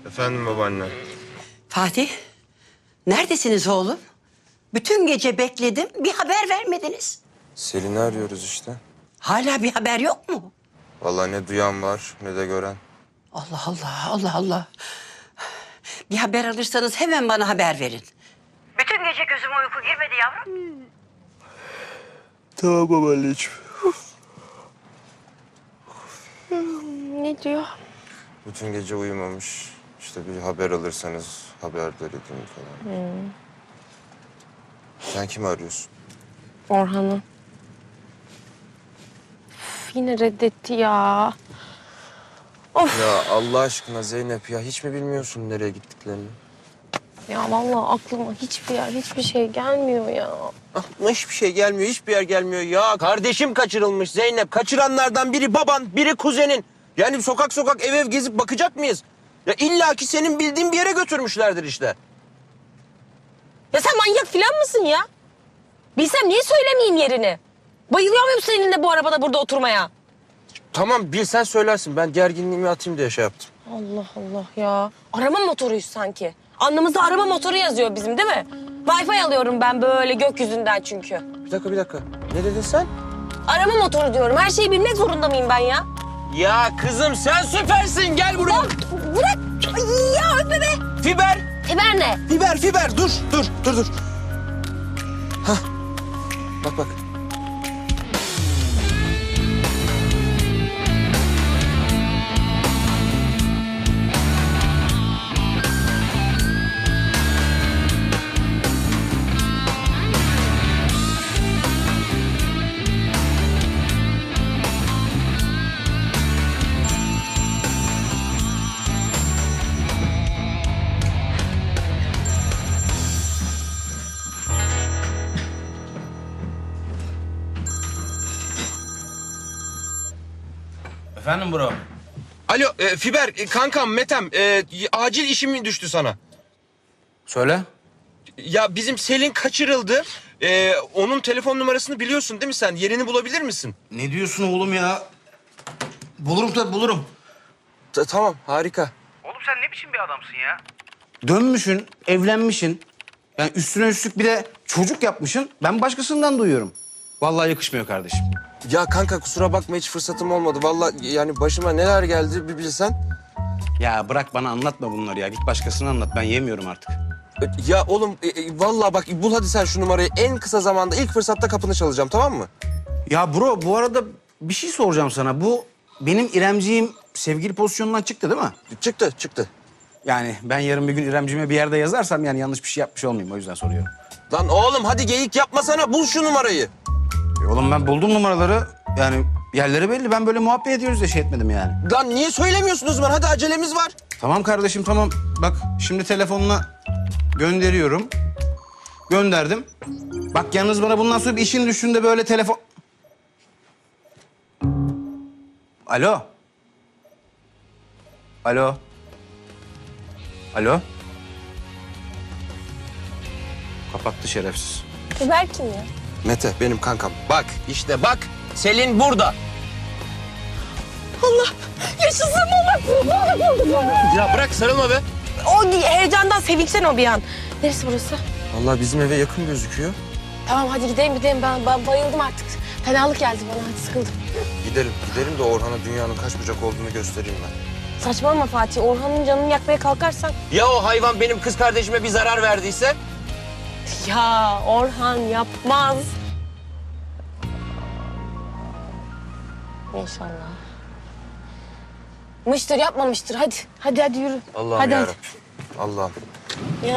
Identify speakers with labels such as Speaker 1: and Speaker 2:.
Speaker 1: Efendim babaanne.
Speaker 2: Fatih, neredesiniz oğlum? Bütün gece bekledim, bir haber vermediniz.
Speaker 1: Selin'i arıyoruz işte.
Speaker 2: Hala bir haber yok mu?
Speaker 1: Vallahi ne duyan var ne de gören.
Speaker 2: Allah Allah, Allah Allah. Bir haber alırsanız hemen bana haber verin. Bütün gece gözüme uyku girmedi yavrum.
Speaker 1: Tamam babaanneciğim.
Speaker 3: Ne diyor?
Speaker 1: Bütün gece uyumamış. İşte bir haber alırsanız haberdar edin falan. Sen kimi arıyorsun?
Speaker 3: Orhan'ı. Üf, yine reddetti ya.
Speaker 1: Ya Allah aşkına Zeynep ya hiç mi bilmiyorsun nereye gittiklerini?
Speaker 3: Ya vallahi aklıma hiçbir şey gelmiyor ya.
Speaker 4: Aklıma hiçbir şey gelmiyor, hiçbir yer gelmiyor ya. Kardeşim kaçırılmış Zeynep. Kaçıranlardan biri baban, biri kuzenin. Yani sokak sokak ev ev gezip bakacak mıyız? Ya illaki senin bildiğin bir yere götürmüşlerdir işte.
Speaker 3: Ya sen manyak falan mısın ya? Bilsem niye söylemeyeyim yerini? Bayılıyor muyum seninle bu arabada burada oturmaya?
Speaker 4: Tamam bilsen söylersin. Ben gerginliğimi atayım diye şey yaptım.
Speaker 3: Allah Allah ya. Arama motoruyuz sanki. Alnımızda arama motoru yazıyor bizim değil mi? Wi-Fi alıyorum ben böyle gökyüzünden çünkü.
Speaker 4: Bir dakika. Ne dedin sen?
Speaker 3: Arama motoru diyorum. Her şeyi bilmek zorunda mıyım ben ya?
Speaker 4: Ya kızım sen süpersin. Gel buraya.
Speaker 3: Bırak. Ay ya öpme be.
Speaker 4: Fiber.
Speaker 3: Fiber ne?
Speaker 4: Fiber. Dur. Hah. Bak.
Speaker 5: Efendim bro?
Speaker 4: Alo Fiber kankam Metem acil işim düştü sana.
Speaker 5: Söyle.
Speaker 4: Ya bizim Selin kaçırıldı. Onun telefon numarasını biliyorsun değil mi sen? Yerini bulabilir misin?
Speaker 5: Ne diyorsun oğlum ya? Bulurum tabii bulurum.
Speaker 4: Tamam harika.
Speaker 6: Oğlum sen ne biçim bir adamsın ya?
Speaker 5: Dönmüşsün, evlenmişsin. Yani üstüne üstlük bir de çocuk yapmışsın. Ben başkasından duyuyorum. Vallahi yakışmıyor kardeşim.
Speaker 4: Ya kanka kusura bakma hiç fırsatım olmadı. Vallahi yani başıma neler geldi bir bilsen.
Speaker 5: Ya bırak bana anlatma bunları ya. Git başkasına anlat. Ben yemiyorum artık.
Speaker 4: Ya oğlum vallahi bak bul hadi sen şu numarayı. En kısa zamanda ilk fırsatta kapını çalacağım tamam mı?
Speaker 5: Ya bro bu arada bir şey soracağım sana. Bu benim İremciğim sevgili pozisyonundan çıktı değil mi?
Speaker 4: Çıktı.
Speaker 5: Yani ben yarın bir gün İremciğime bir yerde yazarsam yani yanlış bir şey yapmış olmayayım. O yüzden soruyorum.
Speaker 4: Lan oğlum hadi geyik yapmasana bul şu numarayı.
Speaker 5: Oğlum ben buldum numaraları. Yani yerleri belli. Ben böyle muhabbet ediyoruz diye şey etmedim yani.
Speaker 4: Lan niye söylemiyorsun o zaman? Hadi acelemiz var.
Speaker 5: Tamam kardeşim tamam. Bak şimdi telefonuna gönderiyorum. Gönderdim. Bak yalnız bana bundan sonra bir işin düştüğünde böyle telefon... Alo. Kapattı şerefsiz.
Speaker 3: Fiber kim ya?
Speaker 4: Mete benim kankam. Bak işte bak Selin burada.
Speaker 3: Yaşasın baba.
Speaker 4: Ya bırak sarılma be.
Speaker 3: O heyecandan sevinçten o bir an. Neresi burası?
Speaker 4: Vallahi bizim eve yakın gözüküyor.
Speaker 3: Tamam hadi gidelim. Ben bayıldım artık. Fenalık geldi bana. Hadi sıkıldım.
Speaker 4: Gidelim de Orhan'a dünyanın kaç bucak olduğunu göstereyim ben.
Speaker 3: Saçmalama Fatih. Orhan'ın canını yakmaya kalkarsan.
Speaker 4: Ya o hayvan benim kız kardeşime bir zarar verdiyse?
Speaker 3: Ya Orhan yapmaz. İnşallah. Mıştır yapmamıştır. Hadi yürü.
Speaker 4: Allah'ım
Speaker 3: hadi.
Speaker 4: yarabbim. Allah'ım.
Speaker 3: Ya